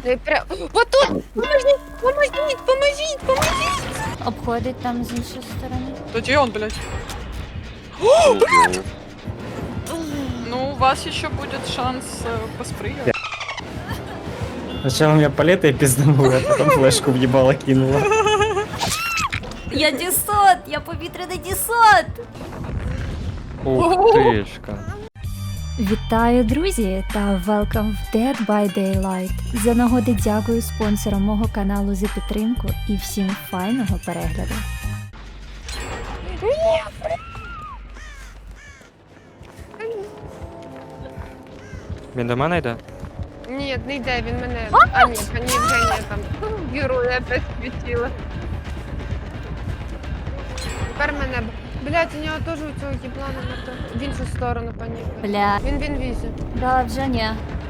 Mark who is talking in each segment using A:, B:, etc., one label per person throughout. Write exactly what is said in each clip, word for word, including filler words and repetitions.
A: Ти прям... Вот тут! Поможіть! Поможіть! Поможіть! Поможіть!
B: Обходить там з іншої сторони.
C: Тоді он, блядь. Ну, у вас еще будет шанс э, поспрыгивать.
D: Сначала меня палетой пизданула, а потом флешку въебало кинула.
B: Я десант! Я повітряний десант!
D: Ух тишка.
B: Вітаю, друзі, та welcome в Dead by Daylight. За нагоди дякую спонсорам мого каналу за підтримку і всім файного перегляду.
D: Він до мене йде?
A: Ні, не йде, він мене... А, ні, пані Євгенія там героя опять світила. Тепер мене... Блядь, у нього теж у цього їблана на то... В іншу сторону, пані.
B: Бля,
A: Він в інвізі.
B: да, вже ні.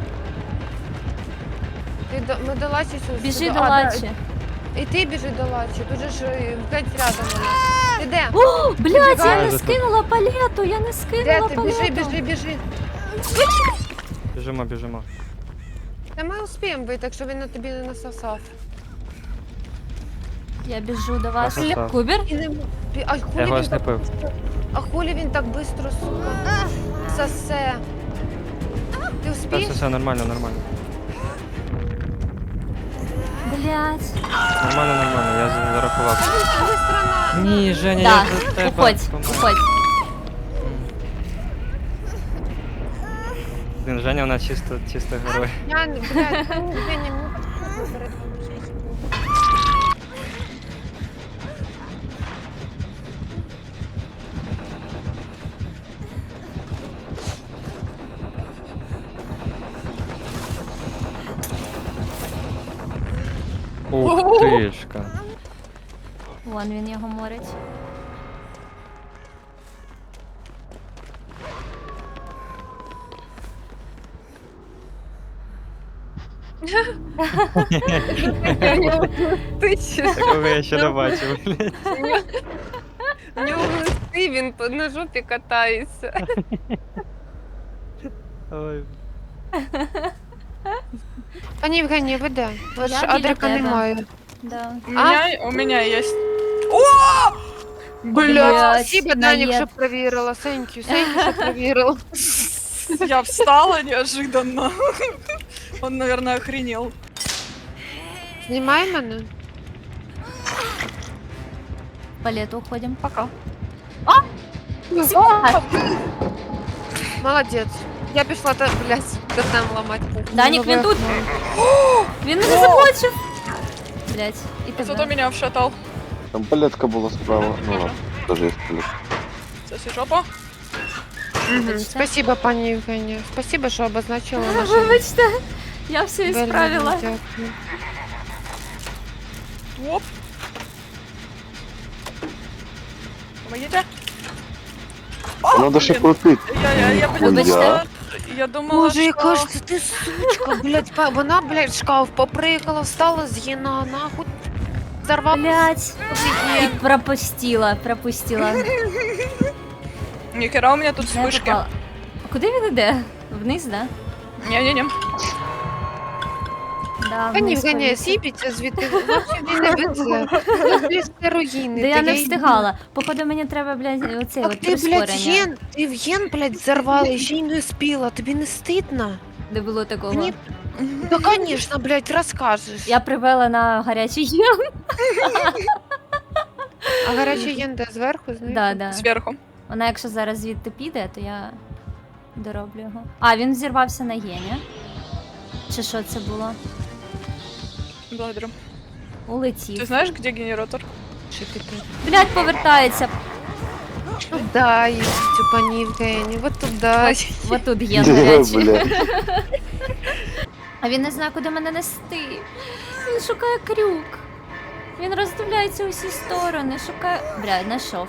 A: Ти до... Ми до Лачі сюди.
B: Біжи до
A: А,
B: Лачі.
A: да. І ти біжи до Лачі, тут же ж е, блядь, рядом вона. Ти де?
B: О, блядь, я не
D: Біжи.
B: скинула палету, я не
A: Де
B: скинула
A: ти?
B: палету.
A: Біжи, біжи, біжи.
D: Біжимо, біжимо.
A: Та ми успіємо вийти, якщо він на тобі не насосав.
B: Я біжу до вас.
D: Насосав.
B: Кубер?
A: І не... м- пі- А
D: Я
A: хулі
D: його
A: він
D: аж не
A: так...
D: пив.
A: А хулі він так бистро, сука, сосе. Ти
D: Все,
A: успієш?
D: все, все, нормально, нормально.
B: Блядь.
D: Нормально, нормально, я за- зарахував.
A: Він так бистро на...
D: Ні, Женя,
B: Да,
D: я за тебе.
B: уходь,
D: помер.
B: уходь.
D: Блін, Женя, вона чисто, чисто герой.
A: Я, не- блядь, ну, я не можу.
D: Ух тишка.
B: Вон він його морить.
A: У нього глисти,
D: Такого я ще не бачив, блядь.
A: у нього глисти, він по- на жопі катається.
D: Ой.
A: Пані Євгенія, ви де? У вас
B: Я
A: ж
B: біля
A: Адрика
B: тебе.
A: немає.
B: Да.
C: У меня, у меня есть.
A: Блядь,
B: Блядь,
A: спасибо, Данік,
B: наєд.
A: що провірила. Thank you, thank you, що провірила.
C: Я встала неожиданно. Он, наверное, охренел.
A: Знімай мене.
B: Палету уходим.
C: Пока.
A: Молодець. Я пішла, та, блядь, тотем ламати.
B: Данік, він тут.
A: Ну,
B: Він мене заблочив. Блядь, і
C: Зато
B: тебе.
C: меня вшатал.
E: Там палетка була справа. Ну ладно, даже є палетка.
C: Соси жопа.
A: Мгм. Спасибо, пані Євгенія. Спасибо, що обозначила нашу...
B: Вибачте, я все
A: Вельми
B: ісправила.
A: дякую.
C: Оп. Помогите.
E: Надо ще
C: блін.
E: крутити.
C: Я, я, я, блин,
E: Ой,
C: думала, я думала,
A: Боже, яка
C: что...
A: ж це ти сучка, блядь, па- вона, блядь, в шкаф поприкала, встала з єна, нахуй, зарвала.
B: Блядь. І пропустила, пропустила.
C: Нихера у меня тут
B: Де
C: вспышки.
B: попала? А куди він іде? Вниз, да?
C: Не-не-не.
B: Да,
A: Пані
B: вниз
A: Євгенія,
B: повісив.
A: сіпіться звідти, взагалі не везе. Це руїни.
B: Да я
A: та
B: не
A: їй-
B: встигала. Походу мені треба, блядь, оцей
A: Так
B: от
A: ти, блядь,
B: прискорення.
A: єн, ти в єн, блядь, зарвала, і ще й не спіла, тобі не стидно?
B: Не було такого.
A: Мені... Да, конечно, блядь, розкажеш.
B: Я привела на гарячий єм.
A: А гарячий єн де, зверху, знаєш?
B: Да, да.
C: Сверху.
B: Вона якщо зараз звідти піде, то я дороблю його. А, він зірвався на єні. Чи що це було?
C: Благодарю. Ты
B: Улетів.
C: знаешь, где генератор?
A: Що ти тут?
B: Блядь, повертається.
A: Туда їдь, пані Євгенія, вот туда.
B: Вот тут є гарячий.
E: Бля.
B: А він не знає, куди мене нести. Він шукає крюк. Він роздивляється усі сторони, шукає. Блядь, знайшов.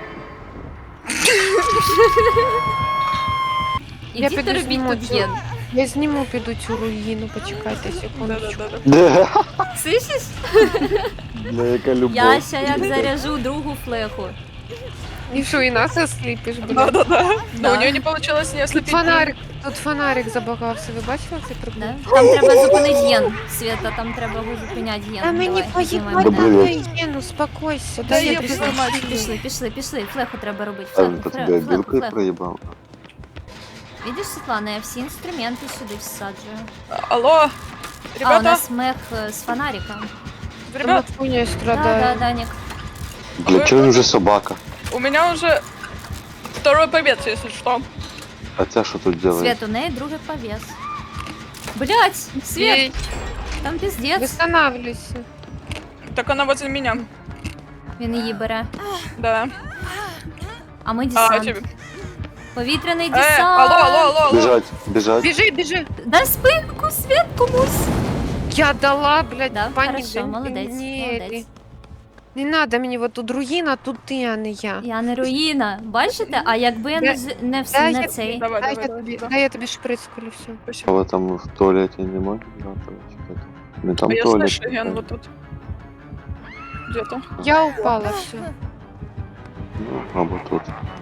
A: Я
B: Ідіть
A: піду
B: робіть
A: зніму
B: тут
A: цю-
B: єн.
A: Я зніму, піду цю руїну, почекайте секундочку.
C: Да-да-да.
E: Де?
B: Слышиш?
E: Бля, яка любов.
B: Я ще як заряжу другу флеху.
A: И что, и нас ослепишь, блядь?
C: Да-да-да. Но
B: Да.
C: у нее не получилось не
A: Тут
C: ослепить.
A: фонарик, тут фонарик забагався, ви бачили цей прикол?
B: Да? Там треба зупинити ген. Света, там треба зупиняти ген.
A: Та мені
B: Давай, знімаємо.
A: поїбать
E: Добрий
A: на
E: вечір.
A: Єну, успокойся.
C: Да
A: Дай
C: я
A: я
C: пішла,
A: пішла.
C: мать.
B: Пішли, пішли, пішли. Флеху треба робити.
E: А
B: Флеху,
E: это
B: флеху,
E: тебя
B: флеху,
E: билкой
B: флеху.
E: проебал?
B: Видиш, Світлана, я всі інструменти сюди всаджую.
C: Алло,
B: А, у
C: ребята,
B: нас мех е, з фонариком.
C: ребят,
A: Хуйней
B: Да, да,
A: страдаю.
B: Данік.
E: Для чего им уже собака?
C: у меня уже второй побед, если что.
E: А тебя что тут делает?
B: Свет, у неї другий повес. Блять, Свет, там піздець.
A: Восстанавливайся.
C: Так она возле меня.
B: Він її бере.
C: Да.
B: А ми
C: А,
B: десант.
C: тебе.
B: Повітряний
C: Э,
B: десант.
C: алло, алло, алло, алло.
E: Бежать, бежать.
A: Біжи, біжи.
B: Дай спинку, Свет, комусь.
A: Я дала, блядь,
B: Да,
A: пані
B: хорошо, молодець,
A: Ні,
B: молодець.
A: Не надо мені, вот тут руїна, тут ти, а не я.
B: Я не руїна. Бачите? А якби я не, з- не, вс-
A: Дай
B: не
A: я-
B: цей.
C: Давай,
A: Дай
C: давай,
A: я тобі,
C: давай.
A: дай я тобі шприц колю, все.
E: А
C: Спасибо.
E: вы там в туалете не можете? Не там
C: А я
E: туалет.
C: слышу, Ген, вот тут. Где-то.
A: Я упала, все.
E: Ну, а вот тут.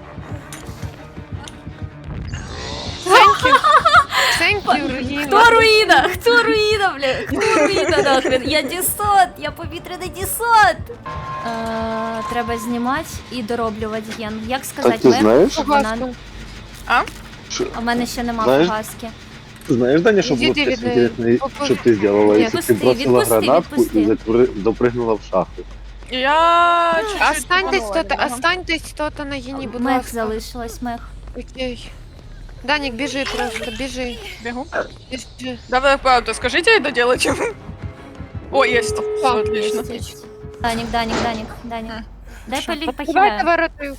A: Thank you, руїна.
B: Хто руїна? Хто руїна, бля? Хто руїна нахрен? Я десант, я повітряний десант. Е, треба знімати і дороблювати ген. Як
E: Так
B: сказати,
E: ты знаешь?
B: щоб вона...
A: Фугаска.
E: Ш-
B: А в мене ще нема
E: Знаєш-
B: фугаски.
F: Знаешь, Даня, что
A: Иди
F: было
A: ты,
F: бы
A: видно,
F: интересно,
A: попу-
F: что ты сделала,
A: Нет,
F: если ты
B: отпусти,
F: бросила
B: отпусти,
F: гранатку
B: отпусти.
F: и запры- допрыгнула в шахту?
C: Я чуть-чуть
A: Останьтесь
C: тупанула
A: тут,
C: немного.
A: останьтесь тут на гіні, будь
B: Мех
A: ласка.
B: залишилось, мех.
A: Окей. Данік, біжи просто, біжи.
C: Бегу.
A: Біжи.
C: Давай, правда, скажите ей доделать. О, есть. Всё,
A: Пап,
C: отлично.
B: Єсть, єсть. Данік, Данік, Данік, Данік. Дай полі
A: Давайте
B: похиляю.
A: воротаю.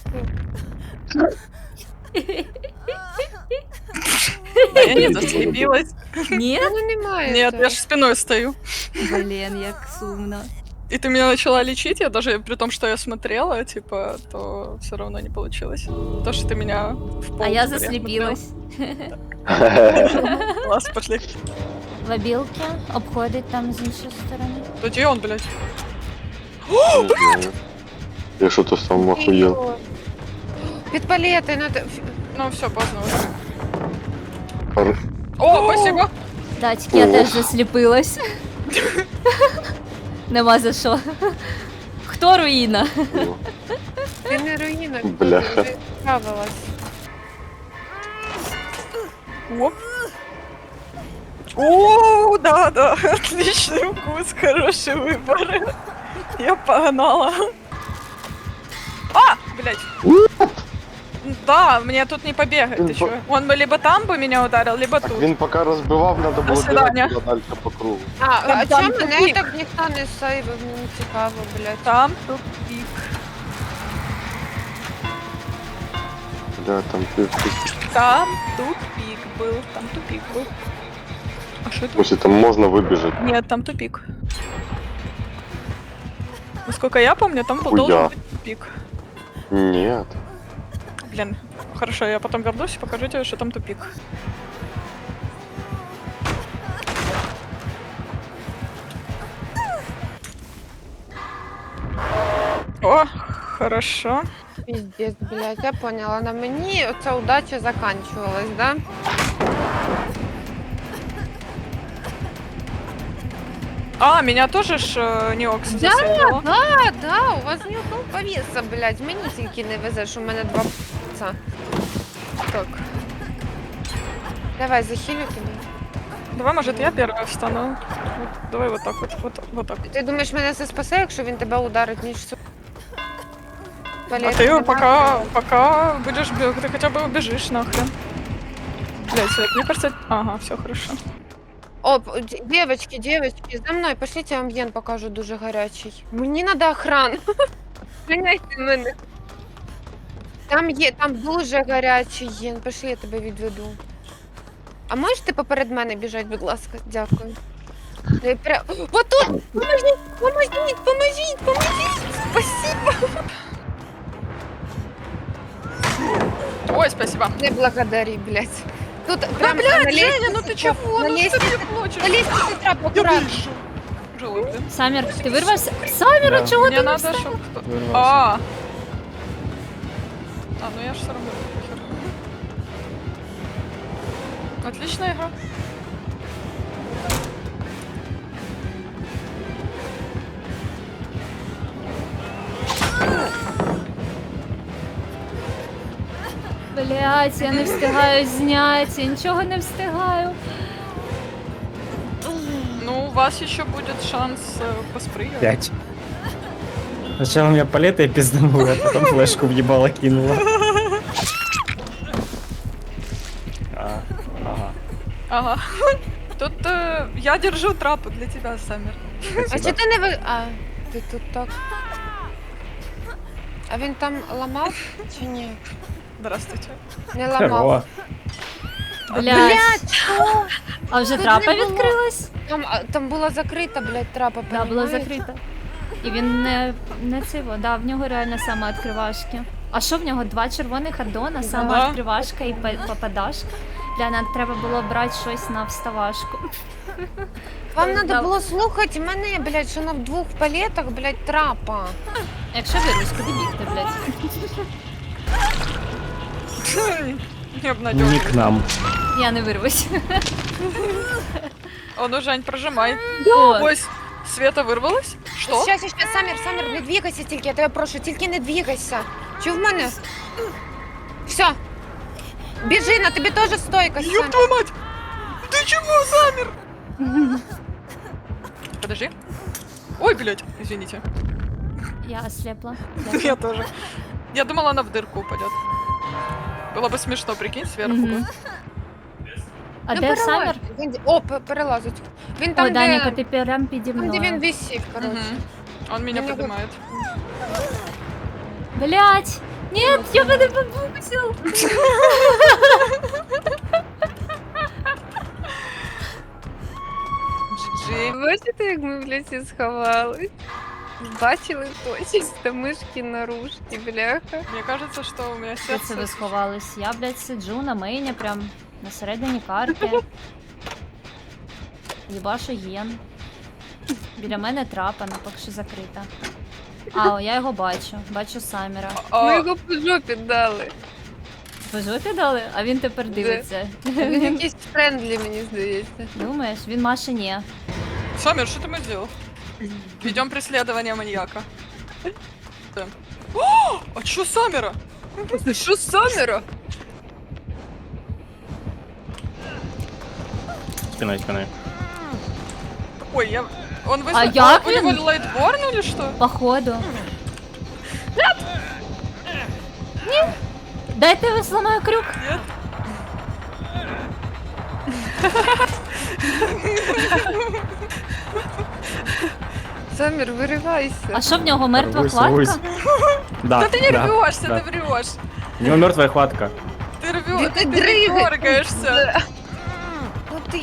C: А я не заслепилась.
B: Ні?
A: Ну немає.
C: Нет,
A: цього.
C: я же спиной стою.
B: Блін, як сумно.
C: И ты меня начала лечить, я даже, при том, что я смотрела, типа, то все равно не получилось. То, что ты меня в пол
B: А я
C: теперь
B: засліпілась.
C: смотрела. Класс, пошли.
B: Лобілки обходить там з іншої сторони.
C: Да где он, блядь?
E: Не знаю. Я что-то сам охуел.
A: Йо. Під палети, надо...
C: Ну все, поздно уже.
E: Пар-
C: О, спасибо.
B: Да, тільки я
E: О.
B: теж засліпилась. Нема за що. Хто руїна?
E: О,
A: Ти не руїна,
E: Бляха.
A: ти справилась.
C: Оп. О, да, да, отличный вкус, хороший выбор. Я погнала. А, блядь. Да, мне тут не побегать,
E: Він
C: ты
E: по-
C: чё? Он бы либо там бы меня ударил, либо
E: Так
C: тут.
E: він поки розбивав, надо було
C: свидання.
E: бігати далі по кругу.
A: А, а
C: Там
A: чому мене
C: тупик.
A: так ніхто не сейвив? Мені цікаво, блядь.
C: Там тупик.
E: Да, там ти ти-
C: Там тупик был, там тупик был. А что это?
E: Ось там можна вибіжати.
C: Нет, там тупик. Насколько я помню, там был
E: Хуя.
C: должен быть тупик.
E: Ні.
C: Блин, хорошо, я потом вернусь и покажу тебе, что там тупик. О, хорошо.
A: Піздець, блядь, я поняла. На мені оця удача заканчивалась, да?
C: А, меня тоже ж э, Неокс
A: Да,
C: заселила.
A: да, да, у вас ні одного повіса, блядь. Мені тільки не везе, що у мене два п***ца.
C: Так,
A: Давай, захилю тебе.
C: давай, может, я первая встану. Вот, давай вот так вот, вот, вот так.
A: Ти думаєш, мене це спасе, якщо він тебе ударить, ніж всю...
C: А
A: Палет
C: ты
A: нема?
C: пока, пока будешь бег, ты хотя бы убежишь нахрен. Блять, Свет, мне кажется... Ага, все хорошо.
A: О, п- д- девочки, девочки, за мною, пошліть, я вам ген покажу дуже гарячий. Мені треба охрану. Прийняйте мене. Там є, там дуже гарячий ген, пошли, я тебе відведу. А можеш ти поперед мене біжати, будь ласка? Дякую. Я пря... Вот тут! Поможіть, поможіть, поможіть, поможіть! Спасибо!
C: Ой, спасибо.
A: Не благодари, блядь. Тут
C: Да,
A: прям
C: блядь,
A: на
C: Женя,
A: лестнице
C: ну ты
A: трап,
C: чего?
A: на
C: Ну что
A: лестнице,
C: ты плачешь?
A: на лестнице трап, аккуратно.
C: Живой, блин.
B: Самір, ти вирвався? Саміра,
D: Да.
B: чого
C: Мне
B: ти не
C: надо,
B: встав?
C: чтобы кто...
D: Вырвался.
C: А, А, ну я ж все равно похер. Отличная игра.
B: Блять, я не встигаю зняти, нічого не встигаю.
C: Ну, у вас еще будет шанс э, поспрыгивать.
D: Пять. Сначала меня палетой пизданула, а потом флешку въебало кинула. А, ага.
C: Ага. Тут э, я держу трапы для тебя, Саммер.
A: А
D: Спасибо.
A: чи ти не ви. А, ти тут так. А він там ламав чи ні?
C: Здравствуйте.
A: Не ламав.
D: О,
B: Блять.
A: що?
B: А вже
A: Тут
B: трапа
A: не було.
B: відкрилась?
A: Там, а, там була закрита, блядь, трапа,
B: Да, була
A: понімаєш?
B: закрита. І він не, не цього, да, в нього реально сама відкривашки. А що в нього? Два червоних аддона, сама
C: Да.
B: відкривашка і па- попадашка? Бля, нам треба було брати щось на вставашку.
A: Вам
B: Да.
A: треба було слухати мене, блядь, що на двох палетах, блядь, трапа.
B: Якщо вирвусь, куди бігти, блядь?
C: Не обнадеживай.
D: не к нам.
B: Я не вирвусь.
C: О, ну, Жень, прожимай.
B: О,
C: Ой, с- Света вырвалась? Что?
A: Щас, щас, щас, Самір, Самір, не двігайся тільки, я тебе прошу, тільки не двігайся. Чи в мене? Все. Біжи, на тобі теж стойка,
C: Ёб
A: Самір.
C: твою мать! Ты чего, Саммер? Подожди. Ой, блядь, извините.
B: я ослепла.
C: Я тоже. Я думала, она в дырку упадет. Было бы смешно, прикинь, сверху.
B: Мгм.
C: бы.
B: А
A: Ну,
B: де
A: перелазь.
B: Саммер?
A: Він- О, пе- перелазить. Він
B: О,
A: там,
B: Даніка,
A: де,
B: ти прям піді
A: там, де він
B: мною.
A: висів, коротше.
C: Мгм. Он меня
A: Я не
C: поднимает.
B: Блять! Нет, я мене побусил!
C: Джи.
A: Бачите, як ми в лісі сховались? Бачили точно мишки наружки, бляха.
C: Мне кажется, что у меня
B: Де це ви
C: сердце...
B: сховались? Я, блядь, сиджу на мейні, прям на середині карти. Їбашу ген. Біля мене трапа, ну поки що закрита. А, о, я його бачу. Бачу Саммера.
C: А,
A: Ми його по жопі дали.
B: Ви жопі дали? А він тепер дивиться.
A: Він якийсь френдлі, мені здається.
B: Думаєш? Він Маші ні.
C: Саммер, что ты мы сделал? Ведем преследование маньяка. Да. О, а чё Саммера?
A: Що з Саміра?
D: Спиной, спиной.
C: Ой, я... Он вызов...
B: А як
C: У него
B: він?
C: лайтборн или что?
B: Походу. Ні! Дайте я зламаю крюк.
C: Нет?
A: Самір, виривайся.
B: А що в нього мертва
D: Рвусь,
B: хватка?
D: рвусь. Да,
C: Да ты не
D: да,
C: рвешься,
D: да.
C: ты врешь.
D: У него мертвая хватка.
C: Ты
A: Да
C: рвешь,
A: ты
C: ты, ты
A: дрыгаешь.
C: дергаешься.
A: Ну ти.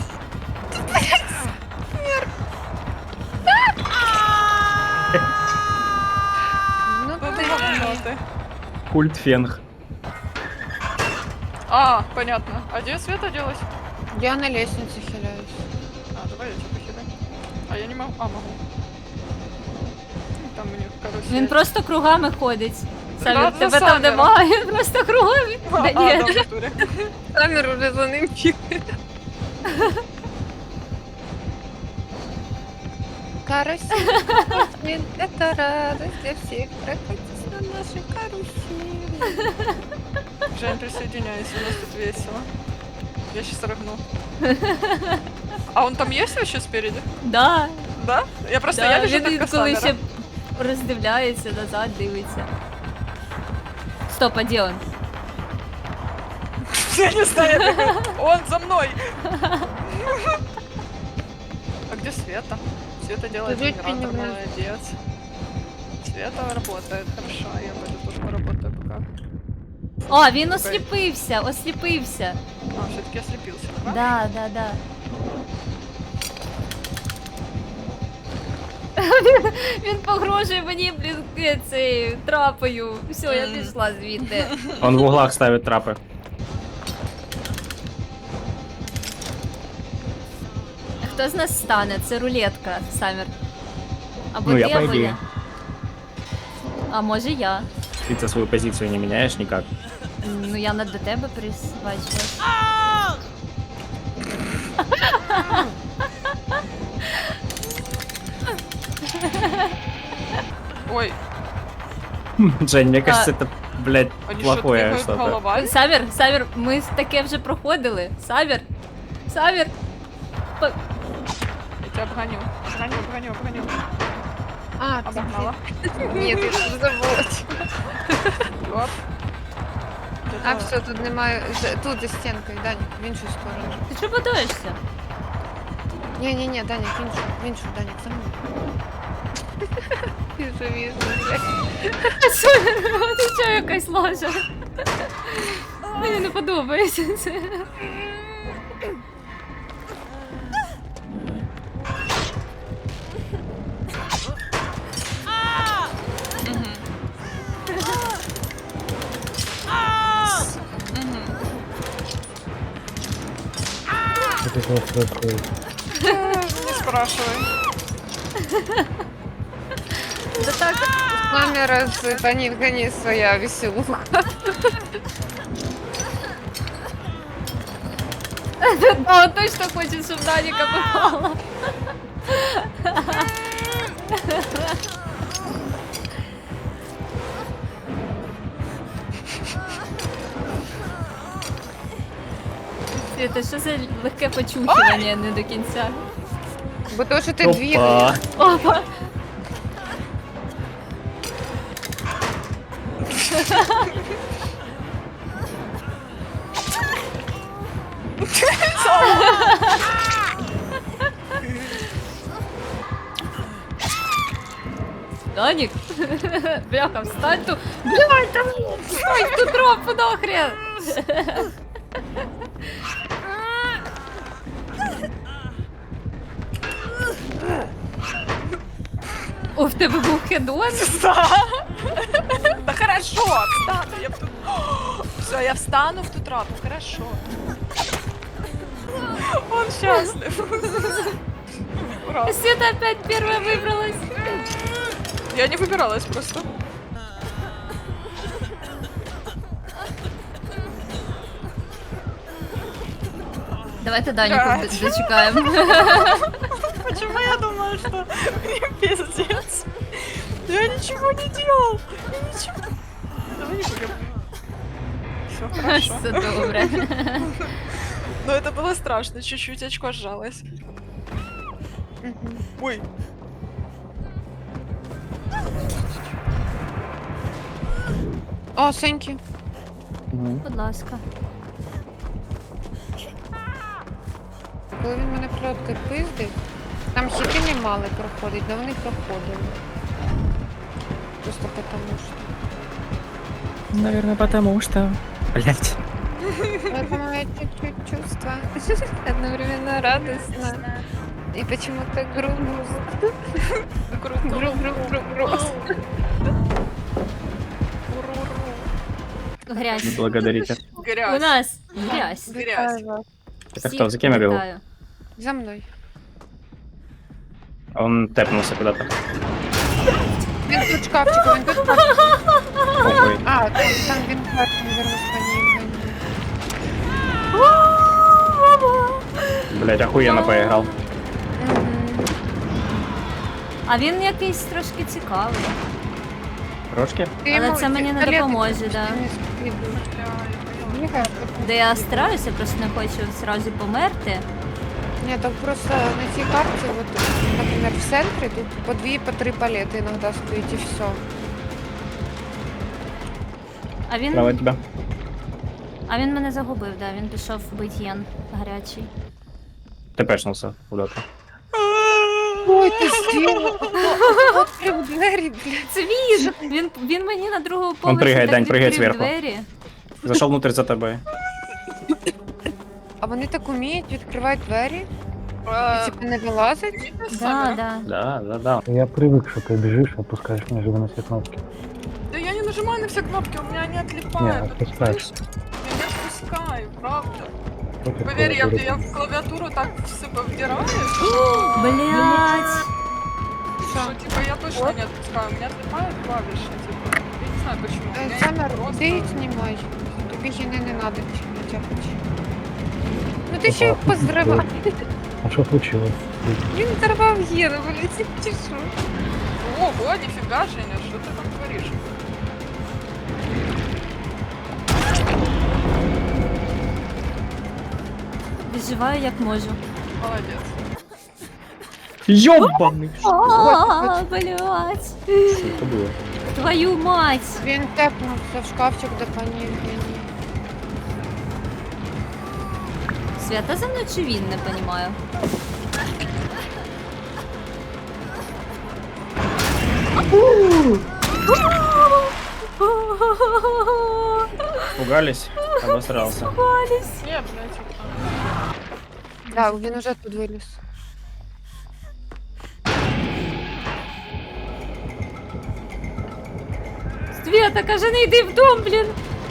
A: Ну
C: Ну
A: ти.
C: ты говно ты.
D: Культ фенг.
C: А, понятно. А где Света делась?
A: Я на лестниці хиляюсь.
C: А, давай я тебя похилю. А я не могу. А, могу. Там у них карусель.
B: Він просто кругами ходить.
C: Да,
B: Самі,
C: за
B: тебе там
C: Саммером.
B: немає, він просто кругами.
C: А,
B: Да
C: а,
B: ні.
C: да, в натуре.
A: Самір уже за ним бігає. Карусель, карусель, это радость для всех. Прокатись на нашей карусели.
C: Жень, присоединяйся, у нас тут весело. Я сейчас рыгну. А он там есть вообще спереди?
B: Да,
C: Да? Я просто,
B: да,
C: я вижу
B: він
C: только
B: інколи
C: Саммера.
B: ще роздивляється, назад дивиться. Стоп, а де он?
C: Я не знаю, я бегаю. Он за мной. А где Света? Света делает
A: Жить
C: генератор,
A: не знаю.
C: молодец. Света работает, хорошо, я пойду тоже поработаю пока.
B: О, він осліпився, осліпився.
C: А, все-таки ослепился, да?
B: Да, да, да. Він погрожує мені, блін, цією трапою. Все, я
C: Мгм.
B: пішла звідти.
D: Он в углах ставит трапы.
B: Хто з нас стане? Це рулетка, Самір. Або
D: Ну,
B: ти,
D: я по
B: або
D: ідеї.
B: я. А може я.
D: Ты свою позицию не меняешь никак.
B: Ну я не до тебе присвачилась.
C: Ой,
D: Жень, мне кажется, это, блядь,
C: они что,
D: плохое
C: двигают
D: что-то.
C: головами?
B: Савір, Савір, ми таке вже проходили. Савір, Савір. По-
C: Я тебя обгоню. Обгоню, обгоню, обгоню.
A: А, ты
C: Обогнала.
A: Ні, я тут забула.
C: Оп.
A: А, все, тут немає. З- Тут за стінкою, Данік, в іншу сторону.
B: Ти чого будуєшся?
A: Ні-ні-ні, Данік, в іншу, в іншу, Данік, за мною. Віжу, віжу, блядь.
B: Ти що якась ложа? Мені не подобається це.
C: Не спрашивай.
B: Да так.
A: Камера з Данілка своя веселуха.
B: О, точно хоче, щоб Даніка попала. Це що за легке почухування не до кінця?
A: Бо то, що ти двігаєш.
D: Опа.
B: Опа! Данік! Бляха, встань тут! Блядь, там! Встань тут тропу нахрен! О, в тебе був хедон?
C: Да. Да хорошо, встану. Я тут... Все, я встану в ту трапу, хорошо. Он счастлив. Ура.
B: Света опять первая выбралась.
C: Я не выбиралась просто.
B: Давайте Даніку
C: Блядь.
B: д- дочекаємо.
C: Почему я думала, что мне пиздец? Я ничего не делал. Я ничего. Давай не будем. Все хорошо.
B: Все добре.
C: Но это было страшно, чуть-чуть очко сжалось.
A: Мгм.
C: Ой.
A: О, Сеньки.
D: Мгм.
B: Будь ласка.
A: Коли він мене пльоткою пиздив, там хіти не мали проходити, да вони проходили. Просто потому що.
D: Наверное, потому что... Блядь.
A: Поэтому я чуть-чуть чувство. Одновременно радостно. И почему-то грустно. Гру-гру-гру-грустно.
B: Грязь.
D: Не благодарите.
B: У
C: Грязь.
B: нас грязь.
C: Грязь.
D: Это
B: Всіх
D: кто? За кем я бегу?
B: вітаю.
A: За мною.
D: Он тэпнулся куда-то.
A: Він тут шкафчик, він тут шкафчик.
D: Похуй.
A: А, там, там він першим вернусь по ній.
D: Блядь, охуенно поиграл.
A: Мгм.
B: А він якийсь трошки цікавий.
D: Трошки?
A: Ти
B: Але
A: йому
B: це мені не
A: пістолет
B: допоможе,
A: якийсь
B: да.
A: не скидуєш. Бігає, потім-
B: Де я стараюся, просто не хочу зразу померти.
A: Ні, так просто на цій карті, вот, наприклад, в центрі тут по дві, по три палети іноді стоїть і все.
B: А він,
D: Справа от тебя.
B: а він мене загубив, да, він пішов бить єн гарячий.
D: Ты пешнулся куда-то.
A: Ой, ти зробила! Відкрив двері, блядь.
B: Це він! Він, він мені на другому поверсі
D: пригає,
B: так
D: Дань, пригає
B: відкрив
D: зверху.
B: двері.
D: Зашел внутрь за тобой.
A: А вони так уміють відкривати двері? І
C: Э,
A: типу не вилазить?
B: Да, да.
D: Да, да, да.
G: Я привык, что ты бежишь, опускаешь неожиданно на все кнопки.
C: Да я не нажимаю на все кнопки, у меня не
G: Не,
C: отлипает. это
G: отпускаешь.
C: слышишь? Я не отпускаю, правда.
G: Против
C: Поверь, я,
G: клавиатуры.
C: я в клавиатуру так все повдираюсь,
B: Блять!
C: что типа я точно не отпускаю. У меня отлипают клавиши, типа. Я не знаю почему. У
A: Е,
C: меня
A: Самер,
C: просто-
A: ти знімай. тобі гіни не надо, не тяпать. Ну ти ще й позривав.
G: А что случилось?
A: Він зірвав гіни, блядь, чи що?
C: Ого, нифига, Женя, что ты там творишь?
B: Виживаю як можу.
C: Молодец.
D: Ёбаный!
B: А, блядь.
D: Что это было?
B: Твою мать.
A: Він тепнувся в шкафчик до пані Євгенії.
B: Свята за мною чи він, не понімаю.
D: Пугались? Обосрался.
C: Не, блядь, вот там.
A: Так, він уже тут виліз.
B: Свята, каже, не йди в дом, блін.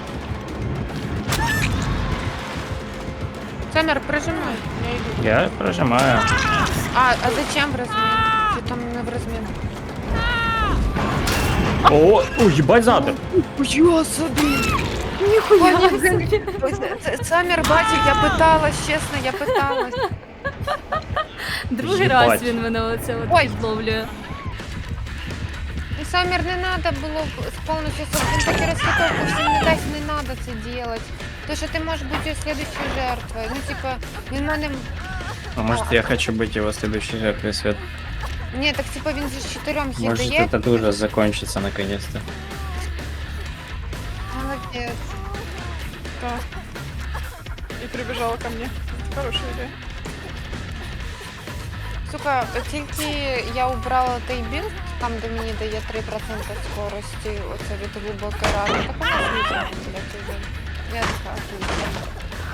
A: Цемер, прижимай.
C: Я иду.
D: Я прожимаю.
A: А, а зачем в розмін? Чи там не в розмін?
D: О, о, ебать задом.
A: Я собі!
B: Ніхуя
A: Пані
B: собі.
A: Євгенія, це- Цемер бачив, я питалась, чесно, я питалась.
B: Другий
D: Їбать.
B: раз він мене оце от
A: Ой.
B: підловлює.
A: І Самір, не треба було з повністю, він таки розхитовку всім не дасть, не треба це робити. Тому що ти можеш бути слідчою жертвою. Ну, типа, він мене...
D: А может я хочу быть его следующей жертвой, Свет?
A: Ні, так типа він же з чотирьом хід
D: Может
A: дає.
D: этот ужас закончится наконец-то.
A: Молодець.
C: Да. И прибежала ко мне. Хорошая идея.
A: Сука, тільки я убрала той білд, там де мені дає три відсотки скорості, оце від глибокої рани, так у нас не треба, блядь, уже. Я така, хуйня.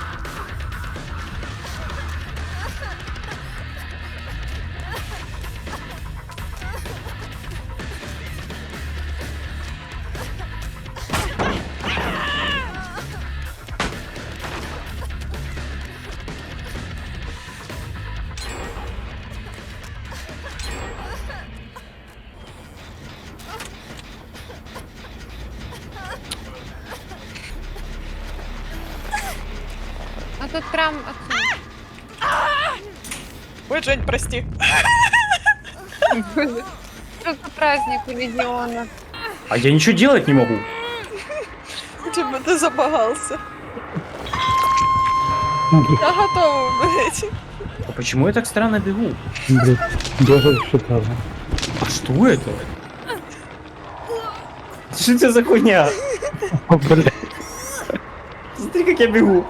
A: А тут прям оце.
C: Ой, Жень, прости.
A: Що за праздник у Легіона?
D: А я ничего делать не могу.
C: Типа ты забагался. Я готова, блядь.
D: А почему я так странно бегу?
G: Блин, бегает шикарно.
D: А что это? Что это за хуйня?
G: О, блядь.
D: Смотри, как я бегу.